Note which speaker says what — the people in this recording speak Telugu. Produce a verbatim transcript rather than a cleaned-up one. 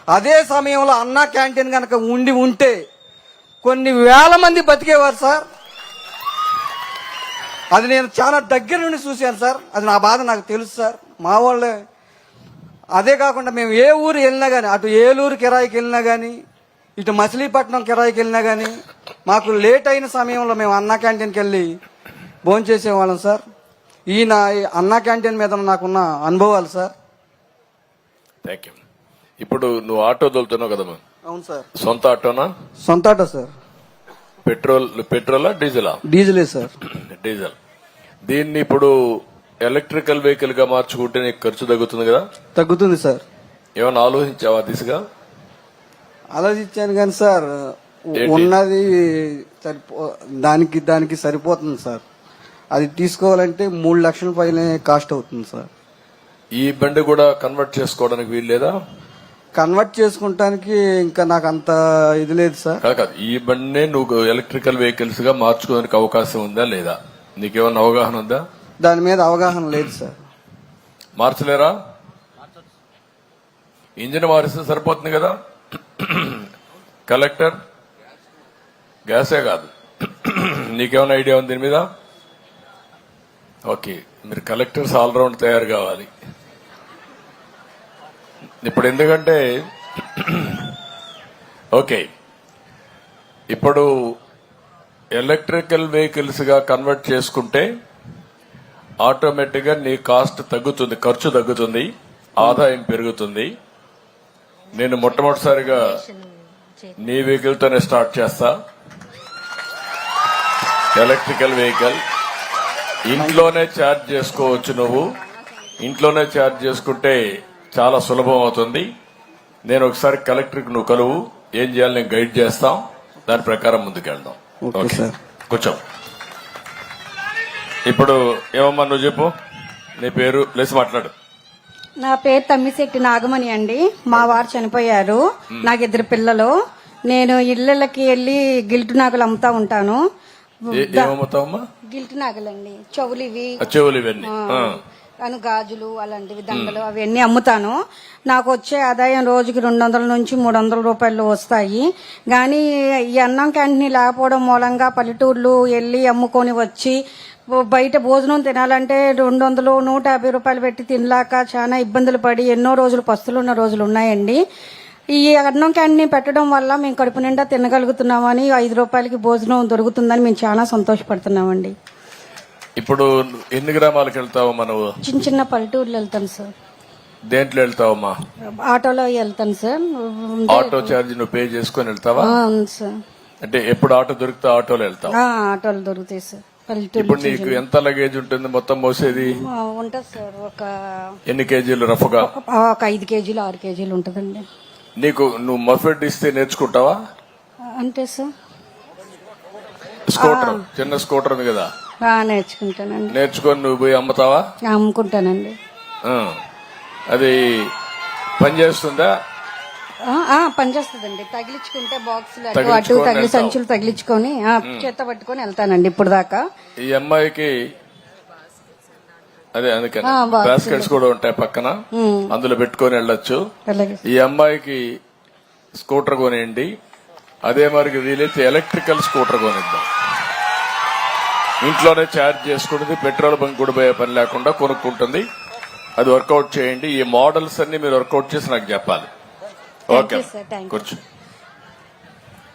Speaker 1: అదే సమయంలో అన్నా క్యాంటీన్ కనుక ఉండి ఉంటే కొన్ని వేల మంది బతికేవారు సార్. అది నేను చాలా దగ్గర నుండి చూశాను సార్. అది నా బాధ నాకు తెలుసు సార్. మా వాళ్ళే అదే కాకుండా మేము ఏ ఊరు వెళ్ళినా కానీ, అటు ఏలూరు కిరాయికి వెళ్ళినా కానీ, ఇటు మచిలీపట్నం కిరాయికి వెళ్ళినా కానీ, మాకు లేట్ అయిన సమయంలో మేము అన్నా క్యాంటీన్కి వెళ్ళి భోంచేసేవాళ్ళం సార్. ఈయన అన్నా క్యాంటీన్ మీద నాకున్న అనుభవాలు సార్.
Speaker 2: Thank you. ఇప్పుడు నువ్వు ఆటో తోలుతున్నావు కదమ్మా?
Speaker 1: అవును సార్.
Speaker 2: సొంత ఆటోనా?
Speaker 1: సొంత ఆటో సార్.
Speaker 2: పెట్రోల్ పెట్రోలా డీజిలా?
Speaker 1: డీజిలే సార్.
Speaker 2: డీజిల్. దీన్ని ఇప్పుడు ఎలక్ట్రికల్ వెహికల్ గా మార్చుకుంటే నీకు ఖర్చు తగ్గుతుంది కదా?
Speaker 1: తగ్గుతుంది సార్.
Speaker 2: ఏమైనా ఆలోచించావా దిశగా?
Speaker 1: ఆలోచించాను కానీ సార్, ఉన్నది సరిపో దానికి దానికి సరిపోతుంది సార్. అది తీసుకోవాలంటే మూడు లక్షల పైన కాస్ట్ అవుతుంది సార్.
Speaker 2: ఈ బండి కూడా కన్వర్ట్ చేసుకోవడానికి వీలు లేదా?
Speaker 1: కన్వర్ట్ చేసుకుంటానికి ఇంకా నాకు అంత ఇది లేదు సార్.
Speaker 2: కాదు, ఈ బండినే నువ్వు ఎలక్ట్రికల్ వెహికల్స్ గా మార్చుకోవడానికి అవకాశం ఉందా లేదా? నీకేమన్నా అవగాహన ఉందా?
Speaker 1: దాని మీద అవగాహన లేదు సార్.
Speaker 2: మార్చలేరా? ఇంజిన్ మారిస్తే సరిపోతుంది కదా. కలెక్టర్ గ్యాసే కాదు, నీకేమైనా ఐడియా ఉంది దీని మీద? ఓకే, మీరు కలెక్టర్స్ ఆల్రౌండ్ తయారు కావాలి ఇప్పుడు. ఎందుకంటే ఓకే, ఇప్పుడు ఎలక్ట్రికల్ వెహికల్స్ గా కన్వర్ట్ చేసుకుంటే ఆటోమేటిక్ గా నీ కాస్ట్ తగ్గుతుంది, ఖర్చు తగ్గుతుంది, ఆదాయం పెరుగుతుంది. నేను మొట్టమొదటిసారిగా నీ వెహికల్ తోనే స్టార్ట్ చేస్తా. ఎలక్ట్రికల్ వెహికల్ ఇంట్లోనే ఛార్జ్ చేసుకోవచ్చు. నువ్వు ఇంట్లోనే ఛార్జ్ చేసుకుంటే చాలా సులభం అవుతుంది. నేను ఒకసారి కలెక్టర్కి నువ్వు కలువు, ఏం చేయాలి నేను గైడ్ చేస్తాం, దాని ప్రకారం ముందుకెళ్దాం. కూర్చో. ఇప్పుడు ఏమమ్మా నువ్వు చెప్పు, నీ పేరు లేసి మాట్లాడు.
Speaker 3: నా పేరు తమ్మిశెట్టి నాగమణి అండి. మా వారు చనిపోయారు. నాకు ఇద్దరు పిల్లలు. నేను ఇళ్లకి వెళ్లి గిల్టు నాగులు అమ్ముతా ఉంటాను.
Speaker 2: ఏమమ్ముతావమ్మా?
Speaker 3: గిల్టు నాగులండి, చెవులు ఇవి,
Speaker 2: చెవులు ఇవన్నీ,
Speaker 3: అను గాజులు అలాంటివి, దండలు అవన్నీ అమ్ముతాను. నాకు వచ్చే ఆదాయం రోజుకి రెండు వందల నుంచి మూడు వందల రూపాయలు వస్తాయి. కానీ ఈ అన్నం క్యాంటీన్ లేకపోవడం మూలంగా పల్లెటూర్లు వెళ్ళి అమ్ముకొని వచ్చి బయట భోజనం తినాలంటే రెండు వందలు నూట యాభై రూపాయలు పెట్టి తినలాక చాలా ఇబ్బందులు పడి ఎన్నో రోజులు పస్తులున్న రోజులు ఉన్నాయండి. ఈ అన్నం క్యాంటీన్ పెట్టడం వల్ల మేము కడుపు నిండా తినగలుగుతున్నామని, ఐదు రూపాయలకి భోజనం దొరుకుతుందని మేము చాలా సంతోషపడుతున్నామండి.
Speaker 2: ఇప్పుడు ఎన్ని గ్రామాలకు వెళ్తావమ్మా నువ్వు?
Speaker 3: చిన్న చిన్న పల్లెటూర్లు వెళ్తాను సార్.
Speaker 2: దేంట్లో వెళ్తావమ్మా?
Speaker 3: ఆటోలో వెళ్తాను సార్.
Speaker 2: ఆటో ఛార్జ్ నువ్వు పే చేసుకుని వెళ్తావా?
Speaker 3: అవును సార్.
Speaker 2: అంటే ఎప్పుడు ఆటో దొరికితే ఆటోలో వెళ్తావు?
Speaker 3: ఆటోలు దొరుకుతాయి సార్.
Speaker 2: ఇప్పుడు నీకు ఎంత లగేజ్ ఉంటుంది మొత్తం మోసేది?
Speaker 3: ఉంటుంది సార్. ఒక
Speaker 2: ఎన్ని కేజీలు రఫ్గా?
Speaker 3: ఒక ఐదు కేజీలు ఆరు కేజీలు ఉంటుందండి.
Speaker 2: నీకు నువ్వు మఫెడ్ ఇస్తే నేర్చుకుంటావా?
Speaker 3: అంటే సార్
Speaker 2: స్కూటర్, చిన్న స్కూటర్ ఉంది కదా,
Speaker 3: నేర్చుకుంటానండి.
Speaker 2: నేర్చుకొని నువ్వు పోయి అమ్ముతావా?
Speaker 3: అమ్ముకుంటానండి.
Speaker 2: అది పనిచేస్తుందా?
Speaker 3: పనిచేస్తుందండి. తగిలించుకుంటే బాక్సులు అటు అటు తగిలి సంచులు తగిలించుకొని చేత పట్టుకొని వెళ్తానండి ఇప్పుడు దాకా.
Speaker 2: ఈ అమ్మాయికి అదే అందుకని బాస్కెట్స్ కూడా ఉంటాయి పక్కన, అందులో పెట్టుకొని వెళ్ళొచ్చు. ఈ అమ్మాయికి స్కూటర్ కొనియండి. అదే మరికి వీలైతే ఎలక్ట్రికల్ స్కూటర్ కొనిద్దాం. ఇంట్లోనే ఛార్జ్ చేసుకుంటుంది, పెట్రోల్ బంక్ కూడా పోయే పని లేకుండా కొనుక్కుంటుంది. అది వర్కౌట్ చేయండి. ఈ మోడల్స్ అన్ని మీరు వర్కౌట్ చేసి నాకు చెప్పాలి. ఓకే, కూర్చో.